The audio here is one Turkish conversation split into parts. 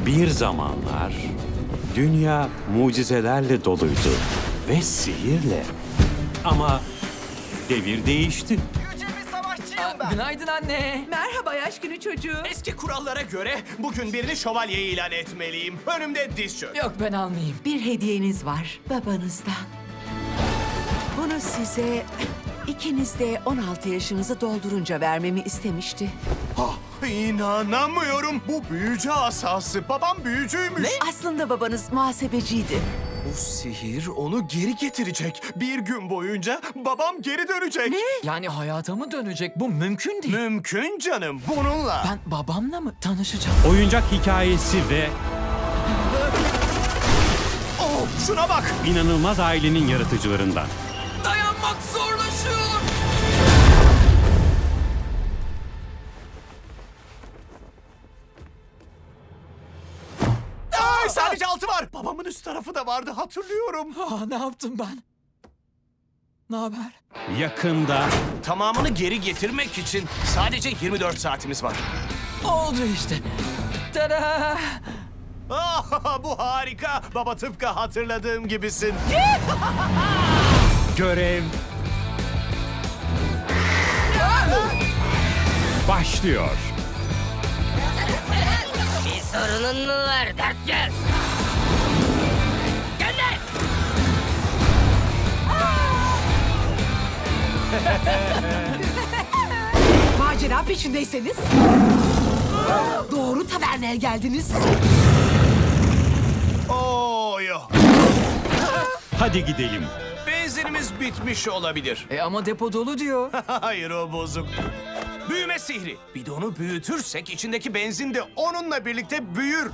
Bir zamanlar dünya mucizelerle doluydu ve sihirle. Ama devir değişti. Yüce bir savaşçıyım ben. Günaydın anne. Merhaba yaş günü çocuğu. Eski kurallara göre bugün birini şövalye ilan etmeliyim. Önümde diz çök. Yok ben almayayım. Bir hediyeniz var babanızdan. Bunu size ikiniz de 16 yaşınızı doldurunca vermemi istemişti. İnanamıyorum. Bu büyücü asası. Babam büyücüymüş. Aslında babanız muhasebeciydi. Bu sihir onu geri getirecek. Bir gün boyunca babam geri dönecek. Yani hayata mı dönecek? Bu mümkün değil. Mümkün canım. Bununla. Ben babamla mı tanışacağım? Oyuncak hikayesi ve Oh, şuna bak. inanılmaz ailenin yaratıcılarından. Dayanmak zorlaşıyor. Ay, sadece altı var. Babamın üst tarafı da vardı, hatırlıyorum. Ne yaptım ben? Ne haber? Yakında Tamamını geri getirmek için sadece 24 saatimiz var. Oldu işte. Tada! Ah, bu harika. Baba, tıpkı hatırladığım gibisin. görev başlıyor. Bir sorunun mu var dertgöz? Gönder! Macera peşindeyseniz doğru taverneye geldiniz. Oo, yok. Hadi gidelim. Benzinimiz bitmiş olabilir. Ama depo dolu diyor. Hayır, o bozuk. Büyüme sihri. Bidonu büyütürsek içindeki benzin de onunla birlikte büyür.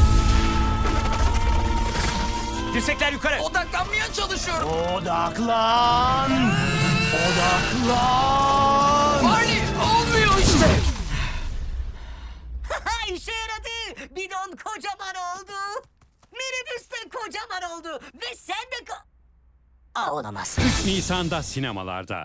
Dirsekler yukarı. Odaklanmaya çalışıyorum. Odaklan. Odaklan. Barney olmuyor işte. İşe yaradı. Bidon kocaman oldu. Minibüs de kocaman oldu. Ve sen de Aa, olamaz. 3 Nisan'da sinemalarda.